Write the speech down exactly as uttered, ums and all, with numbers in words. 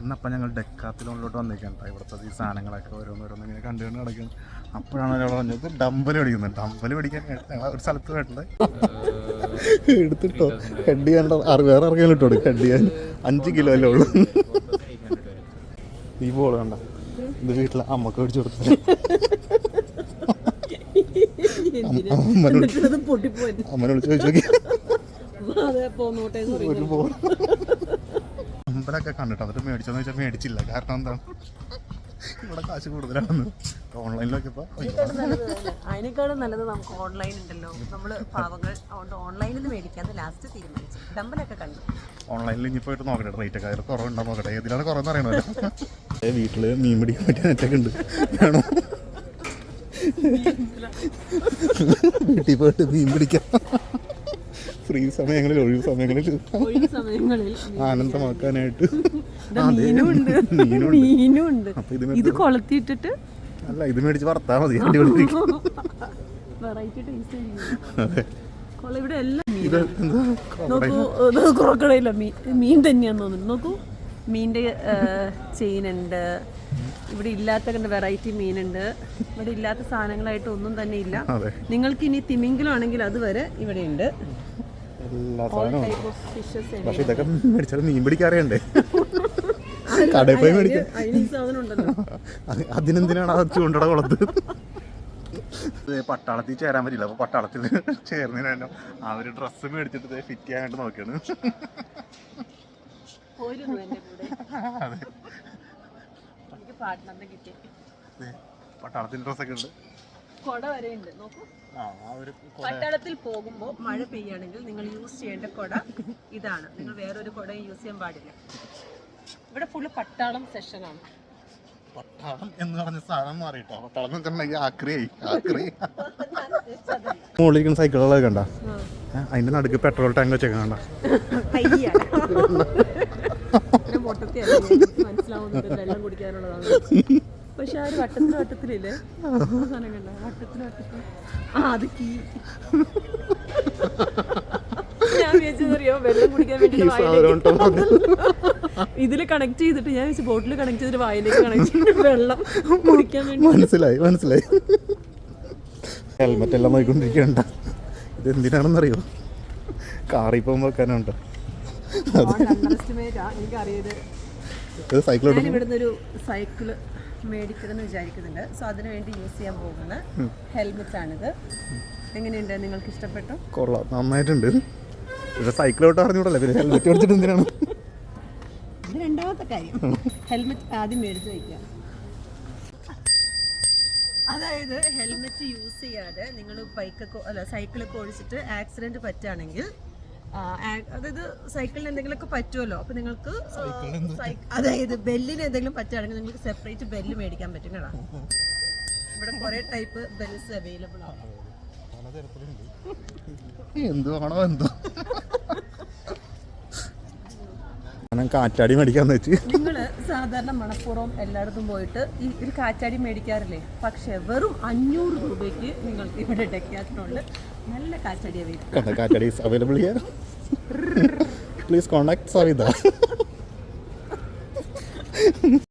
ഇന്നപ്പം ഞങ്ങൾ ഡെക്കാത്തിലോണിലോട്ട് വന്നേക്കാണ്. ഇവിടുത്തെ ഈ സാധനങ്ങളൊക്കെ ഓരോന്നോരോന്ന് ഇങ്ങനെ കണ്ടു കണ്ട് നടക്കുന്നത്. അപ്പോഴാണ് ഒരാൾ പറഞ്ഞത് ഡമ്പൽ മേടിക്കുന്നത്. ഡമ്പൽ മേടിക്കാൻ ഞങ്ങൾ ഒരു സ്ഥലത്ത് പോയിട്ടുണ്ട്. എടുത്തിട്ടോ ഹെഡ് ചെയ്യാൻ വേറെ ഇറങ്ങിയാലും ഇട്ടോ ഹെഡ് ചെയ്യാൻ അഞ്ച് കിലോ അല്ലേ ഉള്ളൂ. ഈ ബോൾ കണ്ട ഇത് വീട്ടിൽ അമ്മക്ക് മേടിച്ചു കൊടുത്തില്ല. അമ്മനെ വിളിച്ച് ചോദിച്ചു നോക്കി ഒരു ബോൾ അമ്പലൊക്കെ കണ്ടിട്ട് എന്നിട്ട് മേടിച്ചോന്ന് ചോദിച്ചാൽ മേടിച്ചില്ല. കാരണം എന്താണ് ഇവിടെ കാശ് കൂടുതലാണെന്ന്. ഓൺലൈനിലൊക്കെ ഇപ്പോൾ അതിനേക്കാളും നല്ലത് നമുക്ക് ഓൺലൈൻ ഉണ്ടല്ലോ. നമ്മൾ പാവങ്ങൾ അതുകൊണ്ട് ഓൺലൈനിൽ നിന്ന് മേടിക്കാന്ന് ലാസ്റ്റ് തീരുമാനിച്ചു. ഡമ്പലൊക്കെ കണ്ടു. ഓൺലൈനിൽ ഇനി പോയിട്ട് നോക്കട്ടെ റേറ്റ് ഒക്കെ അതിൽ കുറവുണ്ടോ നോക്കട്ടെ. ഏതിലാണ് കുറവെന്ന് അറിയണമല്ലോ. വീട്ടിൽ മീൻ പിടിക്കാൻ പറ്റിയ നെറ്റൊക്കെ ഉണ്ട്. വേണോ വീട്ടിൽ പോയിട്ട് മീൻ പിടിക്കാം. ഫ്രീ സമയങ്ങളിൽ ഒഴിവ് സമയങ്ങളിൽ ആനന്ദമാക്കാനായിട്ട് മീനുണ്ട്. ഇത് കൊളത്തിയിട്ടിട്ട് അല്ല ഇത് മേടിച്ച് വറുത്താൽ മതി. ഇവിടെ എല്ലാം നോക്കൂ. ക്രോക്കഡൈല മീൻ മീൻ തന്നെയാന്ന് തോന്നുന്നു. നോക്കൂ മീൻ്റെ ചെയിനുണ്ട്. ഇവിടെ ഇല്ലാത്ത വെറൈറ്റി മീനുണ്ട്. ഇവിടെ ഇല്ലാത്ത സാധനങ്ങളായിട്ട് ഒന്നും തന്നെ ഇല്ല. നിങ്ങൾക്ക് ഇനി തിമിംഗലം ആണെങ്കിൽ അത് വരെ ഇവിടെ ഉണ്ട്. പക്ഷെ ഇതൊക്കെ മേടിച്ചാൽ മീൻ പിടിക്കാറിയണ്ടേ. കടയിൽ പോയി മേടിക്കാം. അതിനെന്തിനാണ് അത് ചൂണ്ടട കുളത്ത്. പട്ടാളത്തിൽ ചേരാൻ പറ്റില്ല. അപ്പൊ പട്ടാളത്തിൽ ചേർന്നതിന് തന്നെ അവര് ഡ്രസ്സ് മേടിച്ചിട്ട് ഫിറ്റ് ചെയ്യാനായിട്ട് നോക്കിയാണ്. പട്ടാളത്തിന്റെ ഡ്രസ്സൊക്കെ ഉണ്ട്. കൊട വരെ ഉണ്ട്. നോക്കൂ പട്ടാളത്തിൽ പോകുമ്പോൾ മഴ പെയ്യാണെങ്കിൽ നിങ്ങൾ യൂസ് ചെയ്യേണ്ട കൊട ഇതാണ്. നിങ്ങൾ വേറൊരു കൊടയും യൂസ് ചെയ്യാൻ പാടില്ല. ഇവിടെ ഫുള്ള് പട്ടാളം സെഷനാണ്. പട്ടാളം എന്ന് പറഞ്ഞ സാധനം മാറിയിട്ടോ. പട്ടാളം എന്ന് വെച്ചിട്ടുണ്ടെങ്കിൽ ആക്രിയായി ആക്രി. മുകളിലിരിക്കുന്ന സൈക്കിളുകളൊക്കെ കണ്ട അതിന്റെ നടുക്ക് പെട്രോൾ ടാങ്ക് വെച്ചൊക്കെ കണ്ട. മനസ്സിലാവുന്നത് വെള്ളം കുടിക്കാനുള്ളതാണ്. പക്ഷെ ആ ഒരു വട്ടത്തിന് വട്ടത്തിലില്ലേ സാധനം കണ്ട വട്ടത്തിന് വട്ടത്തിൽ ആ അത് കീ. ഞാൻ വിചാരിച്ചറിയോ വെള്ളം കുടിക്കാൻ വേണ്ടി ഇതില് കണക്ട് ചെയ്തിട്ട് ഞാൻ വെച്ച് ബോട്ടിൽ കണക്ട് ചെയ്തിട്ട് വായിലേക്ക് കണക്ട് ചെയ്തിട്ട് വെള്ളം കുടിക്കാൻ വേണ്ടി. മനസ്സിലായി മനസ്സിലായി. ഹെൽമെറ്റ് എല്ലാം നോക്കിക്കൊണ്ടിരിക്കണ്ട. ഇത് എന്തിനാണെന്നറിയോ കാറിൽ പോകുമ്പോൾ വെക്കാനുണ്ട്. എനിക്കറിയത് ഇവിടുന്ന് ഒരു സൈക്കിള് മേടിക്കണമെന്ന് വിചാരിക്കുന്നുണ്ട്. സോ അതിനു വേണ്ടി യൂസ് ചെയ്യാൻ പോകുന്ന ഹെൽമെറ്റ് ആണിത്. എങ്ങനെയുണ്ട്? നിങ്ങൾക്ക് ഇഷ്ടപ്പെട്ടു? കൊള്ളാം, നന്നായിട്ടുണ്ട്. ഇവിടെ സൈക്കിളോട്ട് അറിഞ്ഞൂടല്ലേ പിന്നെ ഹെൽമെറ്റ് മേടിച്ചിട്ട് എന്തിനാണ്? ഇത് രണ്ടാമത്തെ കാര്യം. ഹെൽമെറ്റ് ആദ്യം മേടിച്ച് വയ്ക്കുക. അതായത് ഹെൽമെറ്റ് യൂസ് ചെയ്യാതെ നിങ്ങൾ ബൈക്കൊക്കെ അല്ല സൈക്കിളൊക്കെ ഓടിച്ചിട്ട് ആക്സിഡന്റ് പറ്റുകയാണെങ്കിൽ, അതായത് സൈക്കിളിന് എന്തെങ്കിലുമൊക്കെ പറ്റുമല്ലോ, അപ്പൊ നിങ്ങൾക്ക് അതായത് ബെല്ലിന് എന്തെങ്കിലും പറ്റുകയാണെങ്കിൽ നിങ്ങൾക്ക് സെപ്പറേറ്റ് ബെല്ല് മേടിക്കാൻ പറ്റും കേട്ടോ. ഇവിടെ കുറെ ടൈപ്പ് ബെൽസ് അവൈലബിൾ ആണ്. എന്തുവാണോ എന്തോ കാറ്റാടി മേടിക്കാന്ന് വെച്ച് നിങ്ങള് സാധാരണ മണപ്പുറം എല്ലായിടത്തും പോയിട്ട് ഈ ഒരു കാറ്റാടി മേടിക്കാറില്ലേ? പക്ഷെ വെറും അഞ്ഞൂറ് രൂപയ്ക്ക് നിങ്ങൾക്ക് ഇവിടെ ഡെക്കാത്ലോണില് നല്ല കാറ്റാടി അവൈലബിൾ. കാറ്റാടി available here. Please contact Savitha.